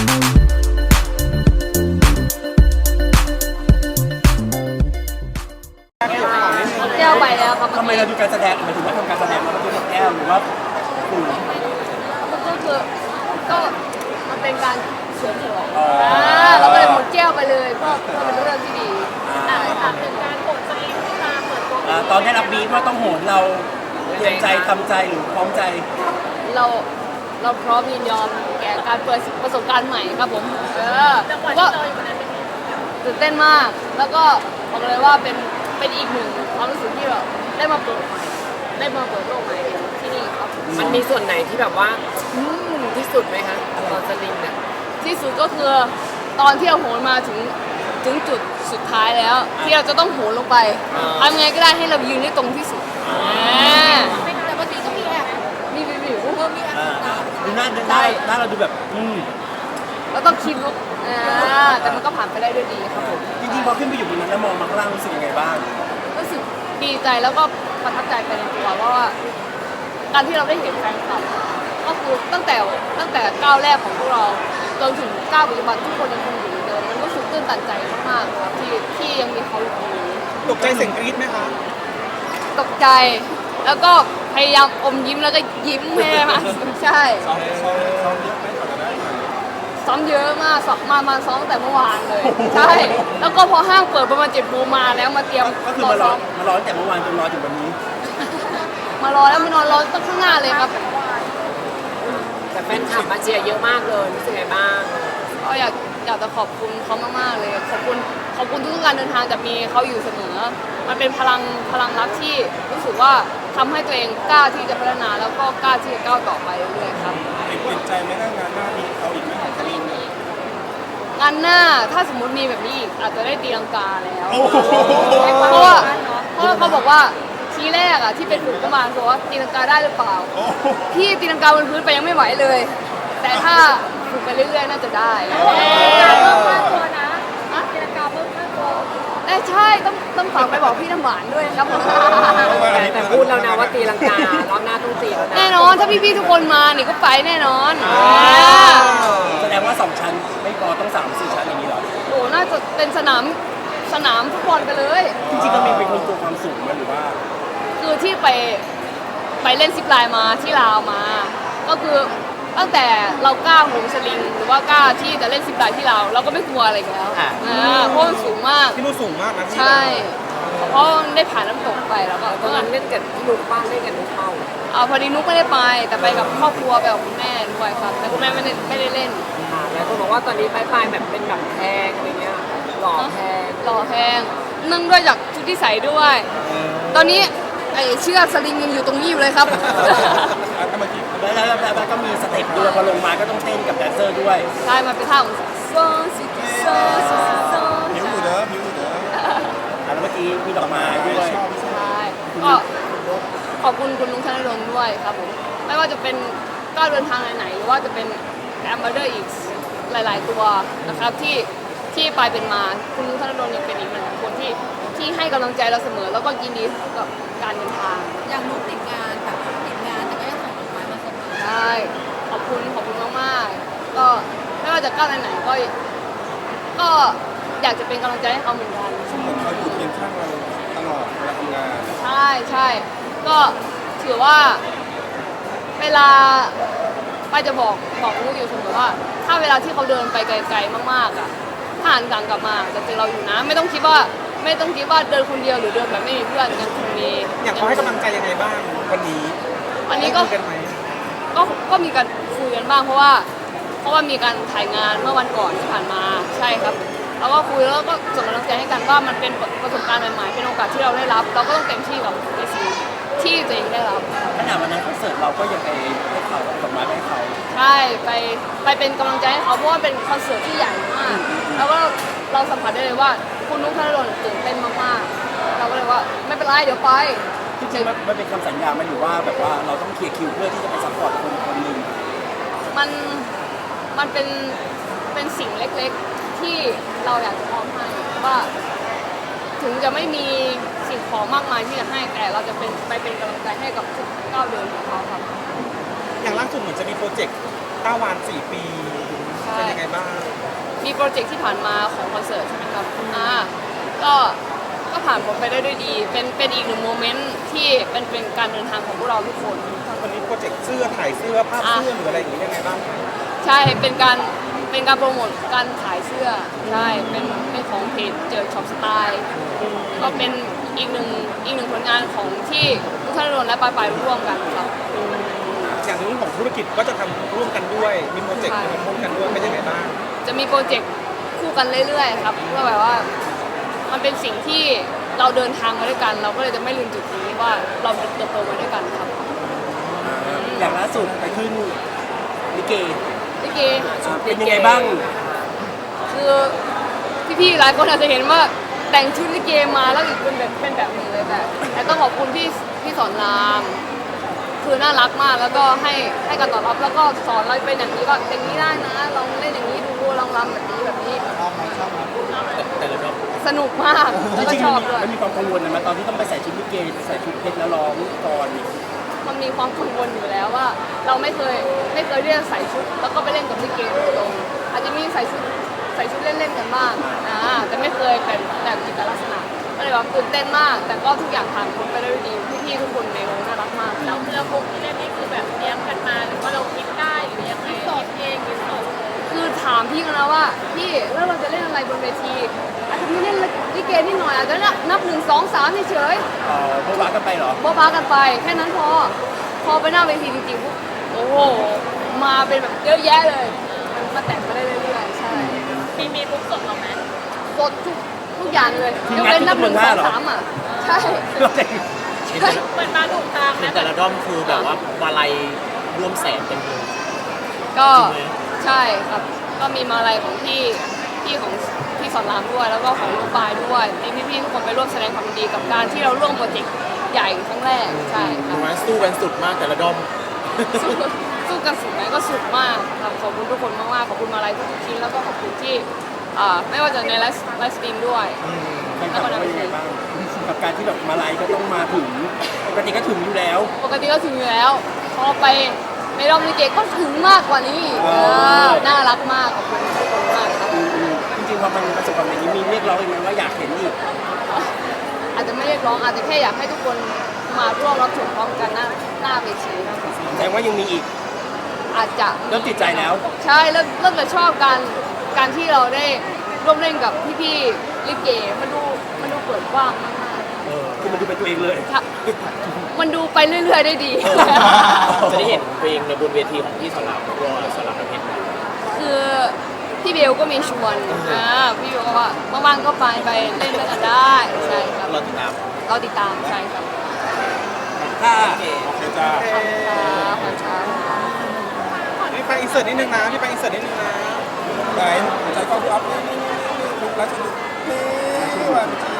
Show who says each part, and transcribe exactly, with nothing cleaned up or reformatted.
Speaker 1: แก้วไปแล้วครับ
Speaker 2: ทำไมเราดูการแสดงหมายถึงว่าทำการแสดงเราดูกับแก้วหรือว่าปู่
Speaker 1: มันก็คือก็มันเป็นการเฉลิมฉลองเราก็เลยหมดแก้วไปเลยเพื่อเพื่อเป็นเรื่องที่ดีถามถึงการกดสลิงที่มาเปิดตัว
Speaker 2: ตอนได้รับบีฟว่าต้องโหนเราเตรียมใจทำใจหรือพร้อมใจ
Speaker 1: เราเราพร้อมยินยอมแก่การเปิดประสบการณ์ใหม่ครับผมเออก็ตื่นเต้นมากแล้วก็บอกเลยว่าเป็นเป็นอีกหนึ่งความรู้สึกที่แบบได้มาเปิดใหม่ได้มาเปิดโลกใหม่ที่นี่ครับ
Speaker 3: มันมีส่วนไหนที่แบบว่าอืมที่สุดไหมคะตอนสลิงเนี่ย
Speaker 1: ที่สุดก็คือตอนที่เราโหนมาถึงถึงจุดสุดท้ายแล้ว ที่เราจะต้องโหนลงไปทำไงก็ได้ให้เรายืนได้ตรงที่สุดแต่บางทีก็มีแอบมีวิววิวเพิ่มมีแอบ
Speaker 2: ดูหน้าดูหน้าหน้าเราดูแบบอืม
Speaker 1: เราต้องคิดลุกแต่มันก็ผ่านไปได้ด้วยดีครับผม
Speaker 2: จริงๆพอขึ้นไปอยู่บนนั้นแล้วมองมาข้างล่างรู้สึกยังไงบ้าง
Speaker 1: รู้สึกดีใจแล้วก็ประทับใจไปในตัวเพราะว่าการที่เราได้เห็นแฟนคลับก็คือตั้งแต่ตั้งแต่ก้าวแรกของพวกเราจนถึงก้าวปัจจุบันทุกคนยังคงอยู่เหมือนเดิมมันรู้สึกตื้นตันใจมากๆครับที่ที่ยังมีเขาอยู่ตรงนี้
Speaker 4: ตกใจเสียงกรี๊ดไหมคะ
Speaker 1: ตกใจแล้วก็พยายามอมยิ้มแล้วก็ยิ้มให้ได้มากใช่ซ้อมเยอะมากซ้อมมามาซ้อมตั้งแต่เมื่อวานเลยใช่แล้วก็พอห้างเปิดประมาณเจ็ดโมงมาแล้วมาเตรียม
Speaker 2: ก็คือมารอมารอตั้งแต่เมื่อวานจนรอถึงวันนี้
Speaker 1: มารอแล้วมานอนรอตั้งข้างหน้าเลยครับ
Speaker 3: แต่แฟนคลับมาเชียร์เยอะมากเลยรู้สึกไงบ้าง
Speaker 1: ก็อยากอยากจะขอบคุณเขามากๆเลยขอบคุณขอบคุณทุกๆการเดินทางจะมีเขาอยู่เสมอมันเป็นพลังพลังรักที่รู้สึกว่าทำให้ตัวเองกล้าที่จะพัฒนาแล้วก็กล้าที่จะก้าวต่อไปเรื่อยๆครับ
Speaker 4: เปลี่ยนใจไหมถ้างานหน้ามีเอาอีกไหมของสลิง
Speaker 1: งานหน้าถ้าสมมุติมีแบบนี้อีกอาจจะได้ตีลังกาแล้ว
Speaker 4: โอ้โห
Speaker 1: เพราะว่าเพราะว่าเขาบอกว่าทีแรกอะที่เป็นฝึกประมาณบอกว่าตีลังกาได้หรือเปล่าพี่ตีลังกาบนพื้นไปยังไม่ไหวเลย แต่ถ้าฝึกไปเรื่อยๆน่าจะได้การเพิ่มมากตัวนะตีลังกาเพิ่มมากตัวแต่ใช่ต้องต้องฝากไปบอกพี่น้ำหวานด้วยนะครับ
Speaker 3: แต่พูดแล้วนะว่าตีลังการอบหน้าต้องตีแล้วนะ
Speaker 1: แน่นอนถ้าพี่ๆทุกคนมานี่ก็ไปแน่นอน
Speaker 2: แสดงว่าสองชั้นไม่พอต้องสามสี่ชั้นอย่างนี้เหรอ
Speaker 1: โอ้น่าจะเป็นสนามสนามฟุตบอลไปเลย
Speaker 2: จริงๆเรามีเป็นคนกลัวความสูงไหมหรือว่า
Speaker 1: คือที่ไปไปเล่นซิปไลน์มาที่ลาวมา ก็คือตั้งแต่เรากล้าโหนสลิง หรือว่ากล้าที่จะเล่นซิปไลน์ที่ลาวเราก็ไม่กลัวอะไรอีกแล้วอ่าเพราะมันสูงมาก
Speaker 4: ที่นู่นสูงมากนะที่
Speaker 1: ใช่ เพราะได้ผ่านน้ำตกไปแล้วก็
Speaker 3: ตอนนั้นเล่นกับพี่ลูกป้าเล่นกับลูกเป้า
Speaker 1: เอาพอดีนุ๊กไม่ได้ไป แต่ไปกับครอบครัวไปกับคุณแม่ด้วยครับแต่คุณแม่ไม่ได้ไม่ได้เล่น
Speaker 3: ค่ะแล้วก็บอกว่าตอนนี้ปลายๆแบบเป็นแบบแพงอะไรเงี้ยหล่อแพง
Speaker 1: หล่อแพงนึ่งด้วยจากชุดที่ใส่ด้วย ตอนนี้ไอ้เชือกสลิงยังอยู่ตรงนี้อยู่เลยครับ
Speaker 4: ถ้าเมื่อกี้
Speaker 2: แล้วแล้วแล้วแล้วก็มีสเต็ปด้วยพอลงมาก็ต้องเต้นกับแดนเซอร์ด้วย
Speaker 1: ใช่มันเป็นท่าของโซซิโซซิโซ
Speaker 4: ผิวอยู่เด้อผิวอยู่เด้อ
Speaker 2: แล้วเมื่อกี้มีดอกไม้ด้วย
Speaker 1: ใช่ก็ขอบคุณคุณลุงธนดลด้วยครับผมไม่ว่าจะเป็นก้าวเดินทางไหนๆหรือว่าจะเป็นแอมเบอร์อีกหลาย ๆ ตัวนะครับที่ที่ไปเป็นมาคุณลุงธนดลยังเป็นอีกหนึ่งคนที่ที่ให้กำลังใจเราเสมอ แล้วก็ยินดีกับการเดินทาง
Speaker 5: อย่างนุ๊กติดงานแบบติดงานแต่ก็ยังส่งดอกไม้มาเสมอ
Speaker 1: ใช่ขอบคุณขอบคุณมากๆก็ไม่ว่าจะก้าวไหนๆก็ก็อยากจะเป็นกำลังใจให้เขาเหมือนกัน
Speaker 4: เหมือนเขาอยู่เคียงข้างเราตลอดเวลาทำงาน
Speaker 1: ใช่ใช่ก็ถือว่าเวลาป้าจะบอกบอกลูกอยู่เสมอว่า ถ้าเวลาที่เขาเดินไปไกลๆมากๆอ่ะถ้าหันกลังกลับมาจะเจอเราอยู่นะ ไม่ต้องคิดว่าไม่ต้องคิดว่าเดินคนเดียวหรือเดินแบบไม่มีเพื่อนยังคงมี
Speaker 4: อยากเขาให้กำลังใจยังไงบ้างวันนี้
Speaker 1: วันนี้ก็
Speaker 4: คุยกันไหม
Speaker 1: ก็ก็มีการคุยกันบ้างเพราะว่าเพราะว่ามีการถ่ายงานเมื่อวันก่อนที่ผ่านมาใช่ครับแล้วก็คุยแล้วก็ส่งกำลังใจให้กันว่ามันเป็นประสบการณ์ใหม่ๆเป็นโอกาสที่เราได้รับ เราก็ต้องเต็มที่กับในสิ่งที่ตัวเองได้รับ
Speaker 2: ขนาดวันนั้นคอนเสิร์ตเราก็ยังไปให้เขาดอกไม้ไปให้เขา
Speaker 1: ใช่ไปไปเป็นกำลังใจให้เขาเพราะว่าเป็นคอนเสิร์ตที่ใหญ่มากแล้วก็เราสัมผัสได้เลยว่าคุณนุ๊กธนดลตื่นเต้นมากๆเราก็เลยว่าไม่เป็นไรเดี๋ยวไป
Speaker 2: จริงๆมันมันเป็นคำสัญญาไหมหรือว่าแบบว่าเราต้องเคลียร์คิวเพื่อที่จะไปซัพพอร์ตคนคนหนึ่ง
Speaker 1: มันมันเป็นเป็นสิ่งเล็กๆที่เราอยากจะมอบให้ว่า ถึงจะไม่มีสิ่งของมากมายที่จะให้แต่เราจะเป็นไปเป็นกำลังใจให้กับทุกก้าวเดินของเขาครับ
Speaker 4: อย่างล่าสุดเหมือนจะมีโปรเจกต์ต้าวานสี่ปี
Speaker 1: ใช่
Speaker 4: เป็นยังไงบ้าง
Speaker 1: มีโปรเจกต์ที่ผ่านมาของคอนเสิร์ตใช่ไหมครับอ่าก็ก็ผ่านผมไปได้ด้วยดี เป็นเป็นอีกหนึ่งโมเมนต์ที่เป็นเป็นการเดินทางของพวกเราทุกคน
Speaker 4: วันนี้โปรเจกต์เสื้อถ่ายเสื้อภาพเสื้อหรืออะไรอย่างนี้ยังไงบ้าง
Speaker 1: ใช่เป็นการเป็นการโปรโมทการขายเสื้อใช่เป็นเป็นของเพจเจอช็อปสไตล์ก็เป็นอีกหนึ่งอีกหนึ่งผลงานของที่ทุกท่านรวมและปลายปลายร่วมกันครับ
Speaker 4: อย่างเรื่องของธุรกิจก็จะทำร่วมกันด้วยมีโปรเจกต์ทำร่วมกันด้วยเป็นยังไงบ้าง
Speaker 1: จะมีโปรเจกต์คู่กันเรื่อยๆครับเพื่อแบบว่ามันเป็นสิ่งที่เราเดินทางมาด้วยกัน เราก็เลยจะไม่ลืมจุดนี้ว่าเราเติบโตมาด้วยกันครับ
Speaker 2: อย่างล่าสุดไปขึ้นลิเก
Speaker 1: ลิเก
Speaker 2: เป็นยังไงบ้าง
Speaker 1: คือพี่ๆหลายคนอาจจะเห็นว่าแต่งชุดลิเกมาแล้วอีกเป็นแบบเป็นแบบนี้เลยแต่แต่ต้องขอบคุณพี่พี่สอนรามคือน่ารักมากแล้วก็ให้ให้การตอบรับแล้วก็สอนเราเป็นอย่างนี้ก็อย่างนี้ได้นะลองเล่นอย่างนี้ดูลองรำแบบนี้แบบนี้สนุกมาก
Speaker 2: จ
Speaker 1: แล้วก็
Speaker 2: ริง
Speaker 1: ชอบด้วย
Speaker 2: ๆมันมีความกังวลนะมาตอนที่ต้องไปใส่ชุดลิเกใส่ชุดเพชรแล้วร้องก่อน
Speaker 1: มันมีความกังวลอยู่แล้วว่า เราไม่เคยไม่เคยเรียกใส่ชุด แล้วก็ไปเล่นกับลิเกโดยตรงอาจจะมีใส่ชุดใส่ชุดเล่นๆกันบ้างอ่าแต่ไม่เคยเป็นแบบกิจลักษณะก็เลยแบบตื่นเต้นมาก แต่ก็ทุกอย่างผ่านพ้นไปได้ด้วยดีพี่ๆทุกคนในวงน่ารักมากเราเลือกวงที่เล่นนี่คือแบบเลี้ยงกันมาหรือว่าเราคิดได้หรือยังไงคิดเองคิดสดคือถามพี่กันนะว่าพี่แล้วเราจะเล่นอะไรบนเวทีอาจจะไม่เล่นลิเกนิดหน่อยอาจจะนับหนึ่งสองสามเฉยๆ
Speaker 2: เอ่อโบบากันไปเหรอ
Speaker 1: บ้าๆกันไปแค่นั้นพอพอไปหน้าเวทีจริงๆปุ๊บโอ้โหมาเป็นแบบเยอะแยะเลยมันมาแต่งมาได้เรื่อยๆใช่มีมีทุกสดหรอไหมสดทุกทุกอย่างเลยยกเว้นนับหนึ่งสองสามอ่ะใช่ใช่เหมือนมาถูกทางนะ
Speaker 6: แต่ละด้อมคือแบบว่ามาลัยร่วมแสนเต็มเลย
Speaker 1: ก็ใช่ครับก็มีมาลัยของพี่พี่ของพี่สอนรามด้วยแล้วก็ของลูกปลายด้วยมีพี่ๆทุกคนไปร่วมแสดงความยินดีกับการที่เราร่วมโปรเจกต์ใหญ่ครั้งแรกใช่ครับ
Speaker 6: มาสู้กันสุดมากแต่ละด้อม
Speaker 1: สู้สู้กันสุดไหมก็สุดมากครับขอบคุณทุกคนมากๆขอบคุณมาลัยทุกๆชิ้นแล้วก็ขอบคุณที่อ่าไม่ว่าจะในไลฟ์ไลฟ์สตรีมด้วย
Speaker 2: แฟนคลับเป็นยังไงบ้างกับการที่แบบมาไลฟ์ก็ต้องมาถึงปกติก็ถึงอยู่แล้ว
Speaker 1: ปกติก็ถึงอยู่แล้ว พอไปในรอบลิเกก็ถึงมากกว่านี้อีก
Speaker 2: เออ
Speaker 1: เออน่ารักมากขอบคุณทุกคนมากครับ
Speaker 2: อืมๆจริงๆพอมันประสบความสำเร็จนี้มีเรียกร้องอีกไหมว่าอยากเห็นอีก
Speaker 1: อาจจะไม่เรียกร้องอาจจะแค่อยากให้ทุกคนมาร่วมรับชมพร้อมกันหน้าหน้าเวทีครับ
Speaker 2: แสดงว่ายังมีอีก
Speaker 1: อาจจะ
Speaker 2: เริ่มติดใจแล้ว
Speaker 1: ใช่เริ่มเริ่มจะชอบการการที่เราได้ร่วมเล่นกับพี่ๆลิเกมันดูมันดูเปิดกว้างมาก
Speaker 2: คือมันดูเป็นตัวเองเลย
Speaker 1: ๆครับมันดูไปเรื่อยๆได้ดี
Speaker 6: จะได้เห็นเพลงในบนเวทีของพี่สอนรามตัวสอนรามน้ำเพชร
Speaker 1: คือพี่เบลก็มีชวนอ่าพี่เบลก็ว่าว่างๆก็ไปไปเล่นด้วยกันได้ใช่ครับ
Speaker 6: เราติดตาม
Speaker 1: เราติดตามใช่ครับ
Speaker 2: ถ้า
Speaker 4: โอเคจ้า
Speaker 1: ขอบคุณครับขอบคุณครับ
Speaker 4: พี่ไปอินเสิร์ตนิดนึงนะพี่ไปอินเสิร์ตนิดนึงนะไหนใจกล้องพี่อ๊อฟนี่นี่นี่นี่นี่แล้วจะนี่นี่ว่า